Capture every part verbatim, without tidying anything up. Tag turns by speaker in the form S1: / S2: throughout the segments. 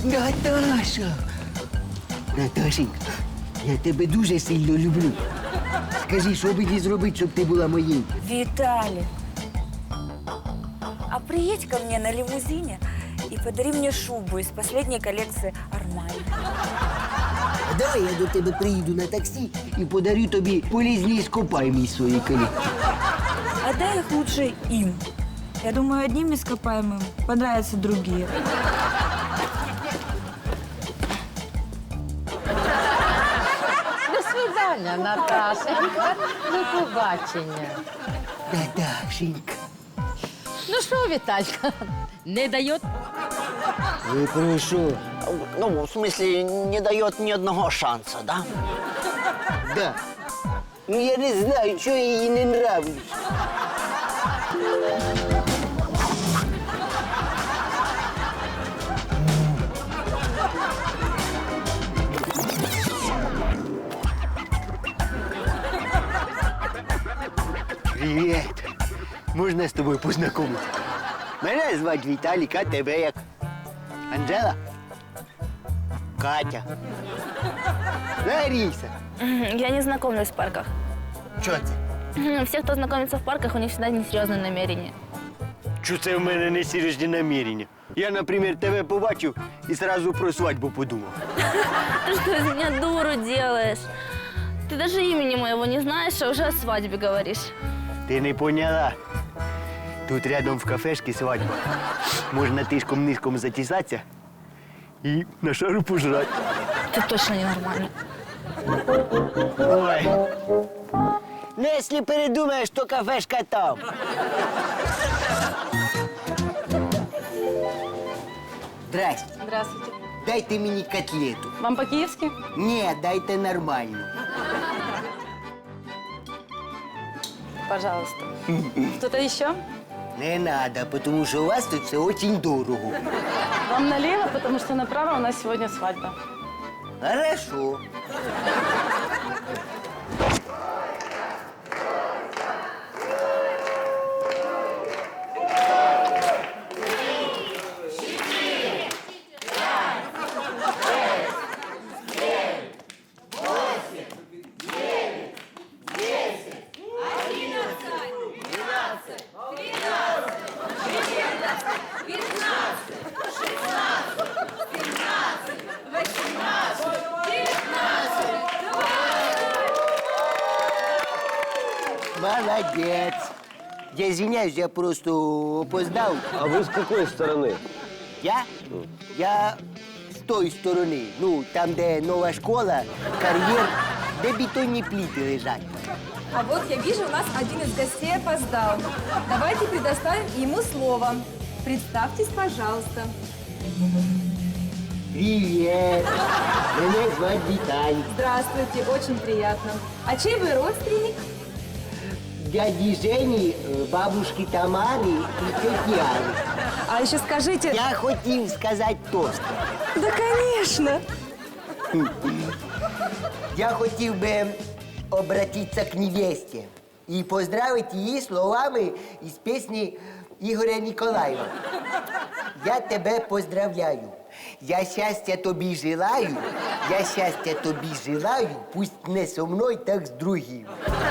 S1: Наташа! Наташенька, я тебе дуже сильно люблю. Скажи, що мені зробити, щоб ти була моєю?
S2: Виталик, а приедь ко мне на лимузине и подари мне шубу из последней коллекции Армани.
S1: А давай я до тебе приїду на таксі і подарю тобі полізні іскопаємі з своєї колекції.
S2: Отдай их лучше им. Я думаю, одним ископаемым понравятся другие.
S3: До свидання, Наташенька. До побачення.
S1: Наташенька.
S3: Ну що, Віталька, не дає?
S1: Ви про що?
S4: Ну, в смысле, не дает ни одного шанса, да?
S1: Да. Ну я не знаю, що я їй не нравлюсь. Привіт. Можна з тобою познайомитися? Мене звати Віталік, а тебе як? Анжела? Катя? Лариса?
S5: Я не знакомлюсь в парках.
S1: Що це?
S5: Все, кто знакомится в парках, у них всегда несерьезные намерения.
S1: Що це в мене не серйозні намірення? Я, наприклад, тебе побачив і одразу про свадьбу подумав.
S5: Ты что из меня дуру делаешь? Ты даже имени моего не знаешь, а уже о свадьбе говоришь.
S1: Ти не поняла? Тут рядом в кафешці свадьба. Можна тишком-нишком затісатися і на шару пожрати.
S5: Ты точно ненормальный.
S1: Ой. Ну, якщо передумаєш, то кафешка там. Здрасте.
S3: Здравствуйте.
S1: Дайте мені котлету.
S3: Вам по-киевски?
S1: Ні, дайте нормальну.
S3: Пожалуйста. Что-то еще?
S1: Не надо, тому що у вас тут все дуже дорого.
S3: Вам налево, потому что направо у нас сегодня свадьба.
S1: Хорошо. Молодец. Я извиняюсь, я просто опоздал.
S6: А вы с какой стороны?
S1: Я? Я з тої сторони. Ну, там, де нова школа, кар'єр, де бетонні плити лежать.
S7: А вот я вижу, у нас один из гостей опоздал. Давайте предоставим ему слово. Представьтесь, пожалуйста.
S1: Привет. Меня звать Виталий.
S7: Здравствуйте, очень приятно. А чей вы родственник?
S1: Дяди Жени, бабушки Тамары и тети Али.
S7: А еще скажите...
S1: Я хотів сказати тост.
S7: Да, конечно.
S1: Я хотів би обратитися к невесте і поздравити її словами із пісні Ігоря Ніколаєва. Я тебе поздравляю. Я щастя тобі желаю, я щастя тобі желаю, пусть не со мною, так з другим.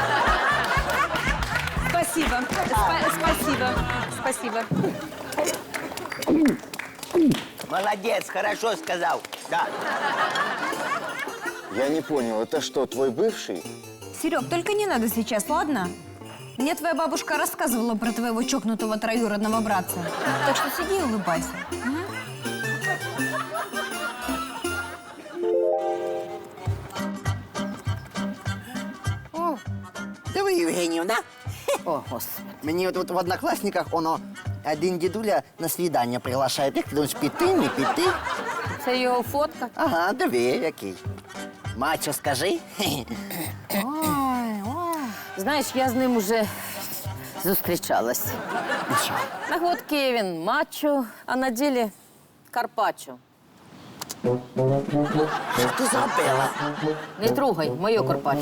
S7: Спасибо. Спа- спасибо. Спасибо.
S1: Молодець, хорошо сказав. Да.
S6: Я не понял, это что, твой бывший?
S8: Серег, только не надо сейчас, ладно? Мне твоя бабушка рассказывала про твоего чокнутого троюродного братца. Так что сиди и улыбайся. Ага.
S4: О, диви, Євгенівна. О, господи. Мені тут в однокласниках воно один дідуля на свідання приглашає. Як ти думаєш, піти, не піти?
S3: Це його фотка.
S4: Ага, диви, який. Мачо, скажи.
S3: Ой, ой. Знаєш, я з ним уже зустрічалась. На фотці він мачо, а на ділі карпаччо.
S4: Що ти зробила?
S3: Не трогай моє карпаччо.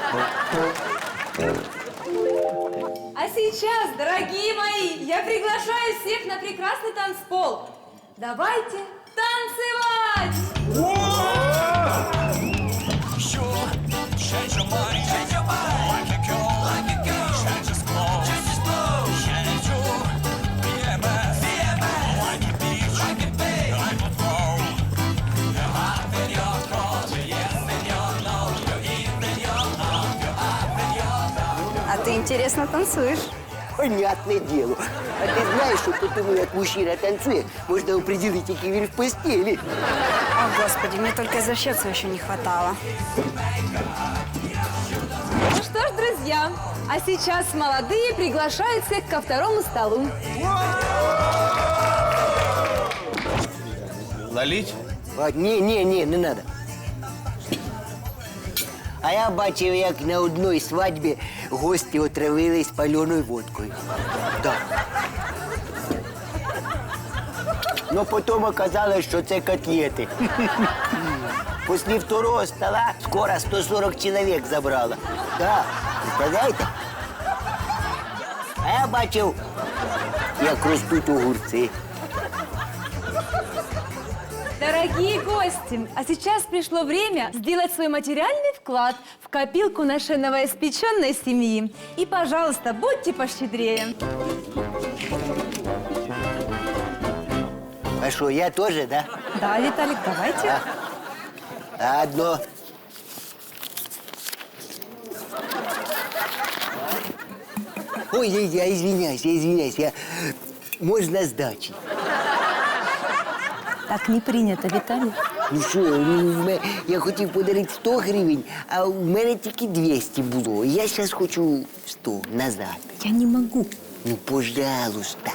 S7: А сейчас, дорогие мои, я приглашаю всех на прекрасный танцпол. Давайте Танцевать!
S8: А ты интересно танцуешь.
S1: Понятное дело. А ты знаешь, что потому, как мужчина танцует, можно определить, какие він в постели.
S8: О, Господи, мне только извращаться еще не хватало.
S7: Ну что ж, друзья, а сейчас молодые приглашают всех ко второму столу.
S6: Налить?
S1: А, ні, ні, ні, не надо. А я бачив, як на одній свадьбі гості отравились паленою водкою. Так. Но потім оказалось, що це котлети. Після второго стола скоро сто сорок чоловік забрала. Да, представляєте? А я бачив, як ростуть огурці.
S7: Дорогие гости, а сейчас пришло время сделать свой материальный вклад в копилку нашей новоиспеченной семьи. И, пожалуйста, будьте пощедрее.
S1: А що, я теж, да?
S7: Да, Виталик, давайте.
S1: Одно. Ой, я, я извиняюсь, я извиняюсь, я... Можно сдачи?
S7: Так не принято, Виталик.
S1: Ну що, ну, в мене- я хотів подарити сто гривень, а в мене тільки двісті було. Я зараз хочу сто назад.
S7: Я не могу.
S1: Ну, пожалуйста.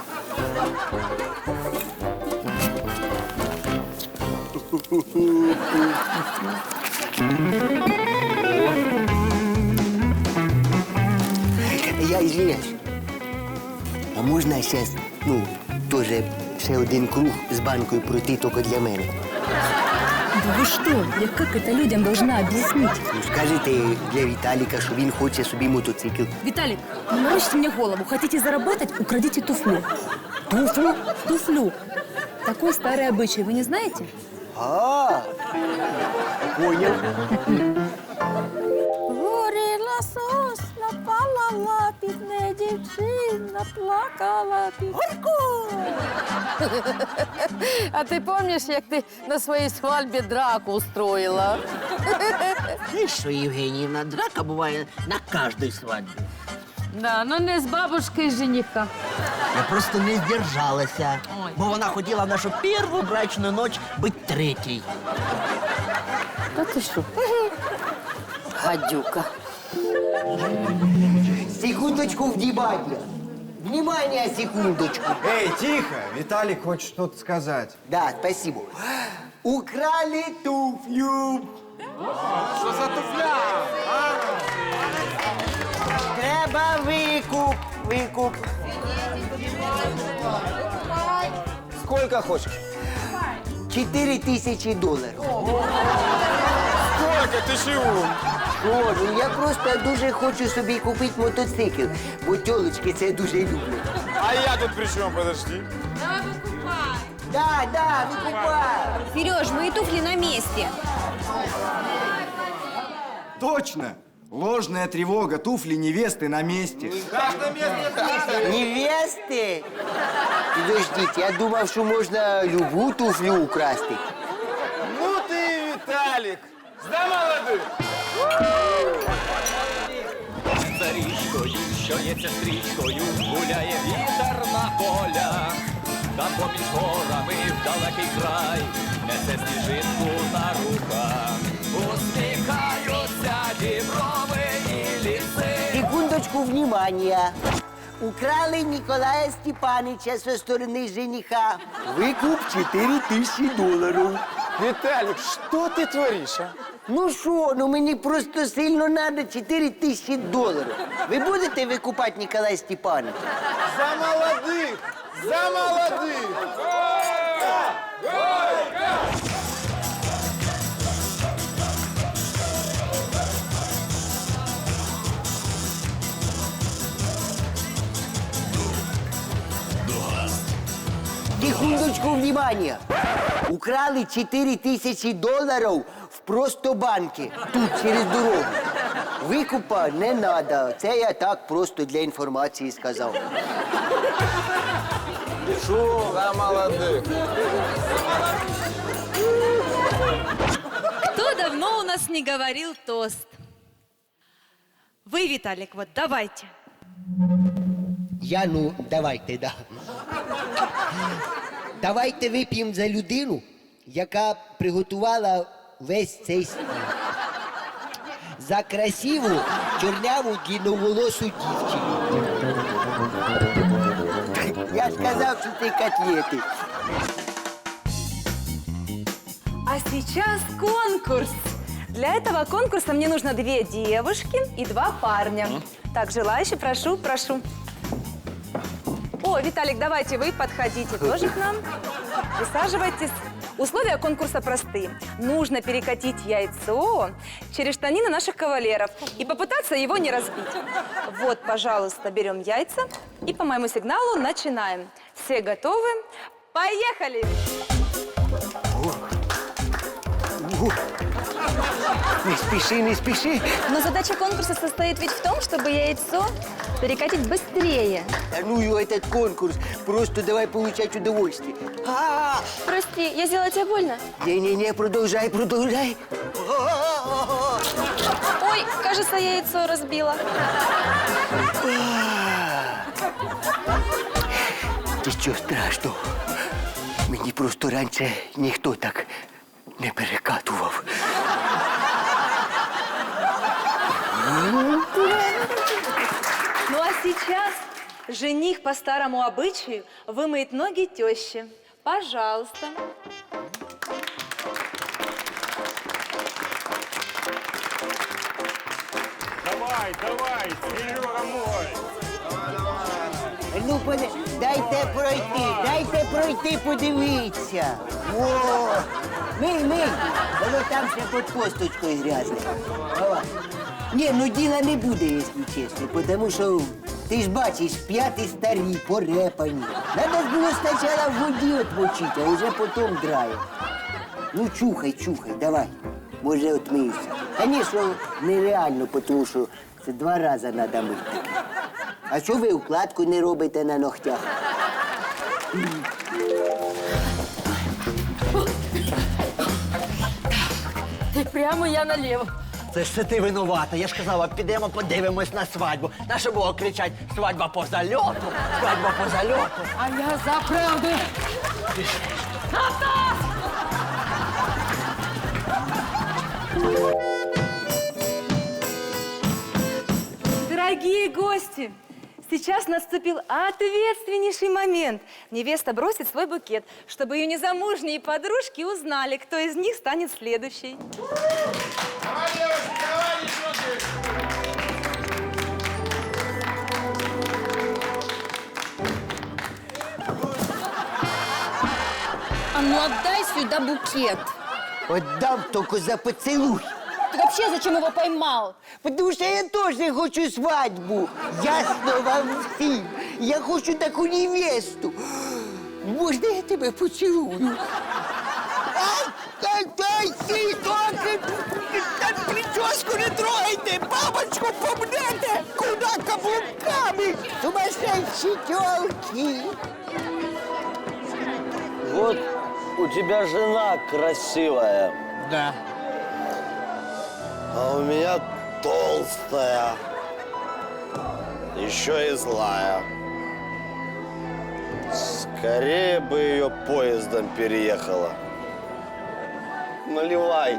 S1: Я извиняюсь. А можна зараз, ну, теж ще один круг з банкою пройти тільки для мене?
S5: Да вы что? Я как это людям должна объяснить?
S1: Ну, скажете для Віталіка, що він хоче собі мотоцикл.
S5: Виталик, не морочите мне голову. Хотите заработать? Украдите туфлю. Туфлю? Туфлю. Такой старый обычай, вы не знаете?
S1: А, понял.
S3: Горіла сосна, палала, бідна дівчина, плакала під... Горько! А ти пам'ятаєш, як ти на своїй свадьбі драку устроїла?
S4: Знаешь что, Евгеньевна, драка бывает на каждой свадьбе.
S3: Да, ну не з бабушкою жениха.
S4: Я просто не сдержалася, бо вона хотіла в нашу першу брачну ніч бути третій.
S3: Та ти що? Гадюка.
S1: Секундочку, внимание. Внимание, секундочку.
S9: Эй, тихо! Виталик хочет что-то сказать.
S1: Да, спасибо. Украли туфлю.
S9: Что за туфля?
S1: Треба викуп, викуп.
S6: Сколько хочешь?
S1: Чотири тисячі доларів.
S9: Сколько? Ты чего?
S1: Що, ну я просто дуже хочу собі купити мотоцикл, бо тьолочки це дуже люблять.
S9: А я тут при чем? Подожди.
S1: Да, да, викупай.
S8: Сереж, мои туфли на месте.
S9: Точно! Ложная тревога, туфли невесты на месте.
S1: Невести? Підождіть, я думав, що можна любу туфлю украсти.
S9: Ну ты, Виталик! За молодых!
S10: За річкою, що є сестричкою, гуляє вітер на полях, та поміж горами в далекий край несе сніжинку на руках. Усміхаються діброви і ліси.
S1: Секундочку, внимания. Украли Николая Степаныча со стороны жениха. Выкуп четыре тысячи долларов.
S9: Виталик, что ты творишь, а?
S1: Ну що, ну мені просто сильно надо чотири тисячі доларів. Ви будете викупати Николая Степановича?
S9: За молодых! За молодых!
S1: Секундочку, внимания. Украли чотири тисячі доларів в Простобанке, тут, через дорогу. Викупа не надо. Це я так просто для інформації сказав.
S6: Шо? Да, молодых.
S7: Кто давно у нас не говорил тост? Вы, Виталик, вот давайте.
S1: Я, ну, давайте, да. Давайте вип'ємо за людину, яка приготувала весь цей стіл. За красиву, чорняву, длинноволосу дівчину. Я ж казав, що ти котлети.
S7: А сейчас конкурс. Для этого конкурса мне нужно две девушки и два парня. Так, желающие, прошу, прошу. О, Виталик, давайте вы подходите тоже к нам. Присаживайтесь. Условия конкурса простые. Нужно перекатить яйцо через штанины наших кавалеров и попытаться его не разбить. Вот, пожалуйста, берем яйца и по моему сигналу начинаем. Все готовы? Поехали!
S1: Не спеши, не спеши.
S8: Но задача конкурса состоит ведь в том, чтобы яйцо перекатить быстрее.
S1: Да ну его этот конкурс. Просто давай получать удовольствие. А,
S8: Прости, я сделала тебе больно?
S1: Не-не-не, продолжай, продолжай.
S8: Ой, кажется, я яйцо разбила.
S1: Нічого страшного. Мені просто раніше ніхто так не перекатував.
S7: Ну а сейчас жених по старому обычаю вымоет ноги теще. Пожалуйста.
S11: Давай, давай, Серега мой.
S1: Ну, поди... дайте пройти, дайте пройти, подивіться. О, мий, мий, воно там ще під косточкою грязне. Давай. Ні, ну діла не буде, якщо чесно, тому що ти ж бачиш, п'яти старі, порепані. Надо ж було спочатку в воді отмочити, а вже потім драє. Ну, чухай, чухай, давай. Може, отмиєшся. Звісно, нереально, тому що це два рази треба мити. А що ви укладку не робите на ногтях?
S3: Ти прямо, я наліво.
S4: Це ж це ти винувата. Я ж казала, підемо подивимось на свадьбу. Нащо було кричать «свадьба по зальоту», «свадьба по зальоту».
S3: А я за правду.
S7: Дорогие гости, сейчас наступил ответственнейший момент. Невеста бросит свой букет, чтобы ее незамужние подружки узнали, кто из них станет следующей.
S11: Давай, девушки, давай, девчонки.
S8: А ну отдай сюда букет.
S1: Отдам тільки за поцілуй.
S8: Ты вообще зачем его поймал?
S1: Потому що я теж хочу свадьбу. Ясно вам всім. Я хочу таку невесту. Можна я тебе поцілую? Ай, ай, ай, ти, доки! Прическу не трогайте! Бабочку помнете! Куда каблуками? Сумасшедшие тёлки!
S6: Вот у тебя жена красивая.
S4: Да.
S6: А у меня толстая. Еще и злая. Скорее бы ее поездом переехала. Наливай.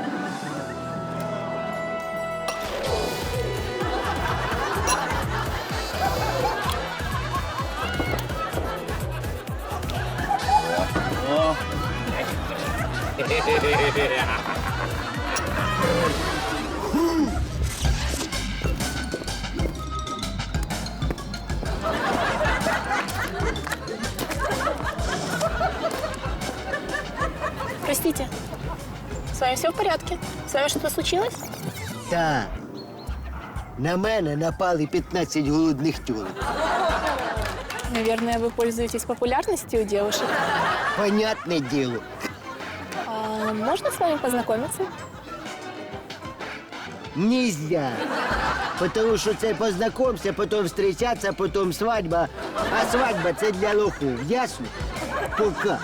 S5: Простите, с вами все в порядке? С вами что-то случилось?
S1: Так. На мене напали п'ятнадцять голодних тюлок.
S5: Наверное, вы пользуетесь популярностью у девушек.
S1: Понятное дело.
S5: А можно с вами познакомиться?
S1: Нельзя. Потому що це познайомся, потім зустрічатися, потім свадьба. А свадьба це для лохов. Ясно? Пока.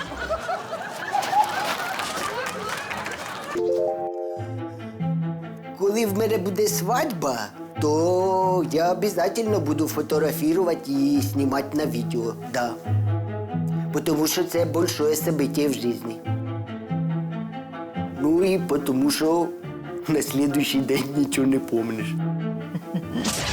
S1: Коли в мене буде свадьба, то я обов'язково буду фотографувати і знімати на відео. Да. Тому що це велике событие в житті. Ну і тому що на слідуючий день нічого не помниш.